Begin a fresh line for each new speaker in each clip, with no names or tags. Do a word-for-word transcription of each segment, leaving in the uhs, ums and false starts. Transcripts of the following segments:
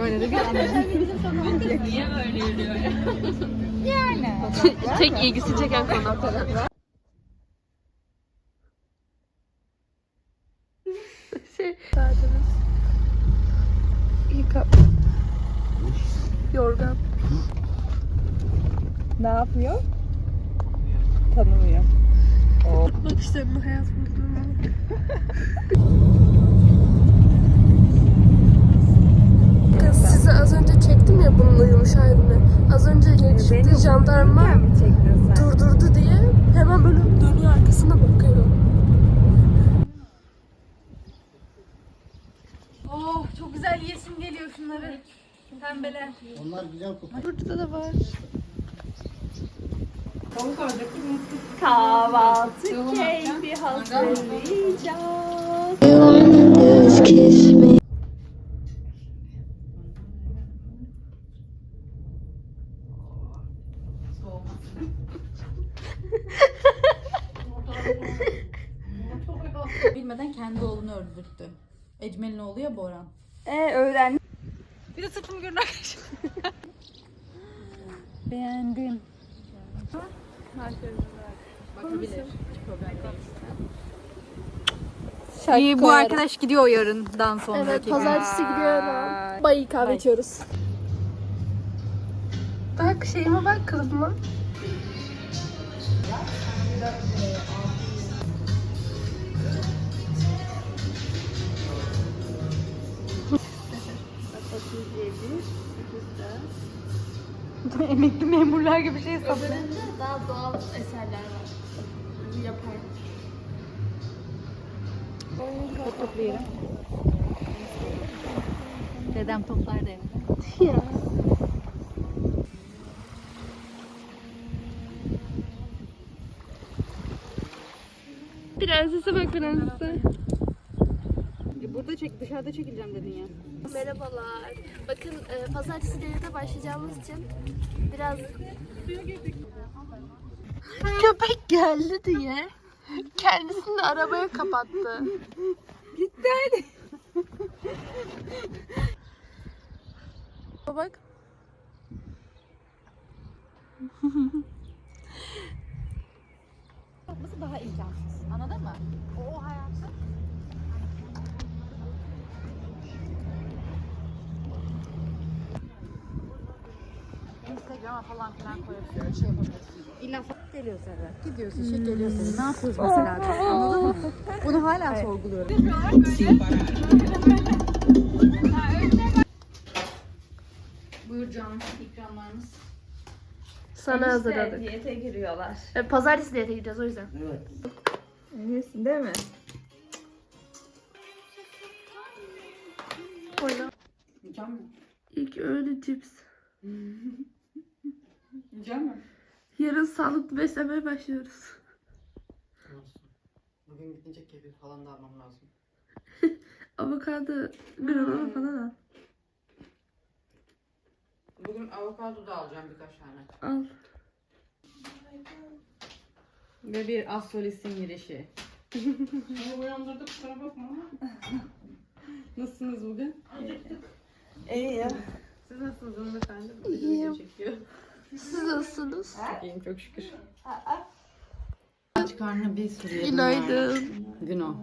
böyle de bir
Niye böyle yürüyor ya?
yani.
Tek ilgisi çeken konu. Şey, saatimiz. Yıka. Yorgan.
Ne yapıyor? Tanımıyor.
Bakışlarını hayat bulduğuna. Kız size az önce çektim ya bunun uyumuş halini. Az önce çıktı jandarma durdurdu diye hemen böyle dönüyor arkasına bakıyor.
Oh çok güzel yesim geliyor şunları. Pembeler.
Onlar güzel kokuyor.
Burada da var.
Kahvaltı keyfi hazırlayacağız.
Bilmeden kendi oğlunu öldürttü. Ecmel'in oğlu ya Boran.
Ee öğren.
Bir de sırtımı görün arkadaşım. Beğendim. Bakabilir. İyi, bu arkadaş gidiyor yarından sonra.
Evet, pazartesi gidiyorum. Bayi kahve içiyoruz. Bak şeyime bak, kılıfıma.
Emekli memurlar gibi şey saplı.
Daha doğal eserler var. Yapar.
Toplayalım. Dedem toplar da evde.
Ya. Prensese bak prensese.
Burada çek, dışarıda çekileceğim dedin ya.
Merhabalar. Bakın e, pazartesi devlete başlayacağımız için biraz... Köpek geldi diye kendisini arabaya kapattı.
Gitti hadi.
Bak.
Yapması daha imkansız. Anladın mı? O hayatı. Instagram'a falan filan koyuyorsun. Şey yapabilirsin. İlla geliyor Serra. Gidiyorsun, şey geliyor Serra. Ne yapıyoruz mesela biz? Anladın mı? Bunu hala sorguluyorum. Buyur canım, ikramlarımız.
Sana hazırladık.
Diyete giriyorlar.
E, pazartesi diyete gideceğiz o yüzden.
Evet.
Eminsin değil mi?
Oyna.
Yiyeceğim mi?
İlk öğün cips.
Yiyeceğim mi?
Yarın sağlıklı beslenmeye başlıyoruz.
Olsun. Bugün gidince kefir falan da almam lazım.
Avokado, granola falan al.
Bugün avokado da alacağım birkaç tane.
Al.
Ve bir assolis'in girişi.
Beni uyandırdık, kusura bakma ama.
Nasılsınız bugün?
İyi ya.
Siz nasılsınız hanımefendi?
İyiyim.
Çekiyor.
Siz nasılsınız?
Çok iyiyim çok şükür.
Aç karnına bir sürü yedim.
Günaydın.
Gün o.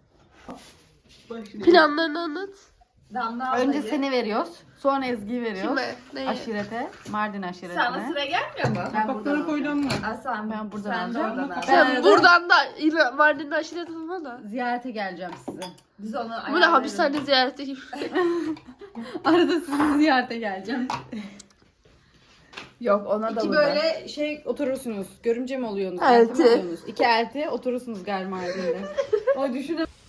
Planlarını anlat.
Damla
Önce
ablayı.
seni veriyoruz. Sonra Ezgi'yi veriyoruz.
Kime? Neye?
Aşirete. Mardin aşiretine.
Sana sıra gelmiyor mu?
Ben buradan alacağım.
Aslan
Ben buradan
sen de
alacağım.
oradan al.
Sen
Ben-
buradan da İla- Mardin'de aşiret olma da.
Ziyarete geleceğim size.
Biz onu
Bu ne
ayarlarız.
hapishane ziyareti gibi.
Arada sizi ziyarete geleceğim.
Yok ona da
İki
burada.
böyle şey oturursunuz. Görümce mi oluyorsunuz?
Elti.
mi oluyorsunuz? İki elti oturursunuz galiba Mardin'de. O düşünün.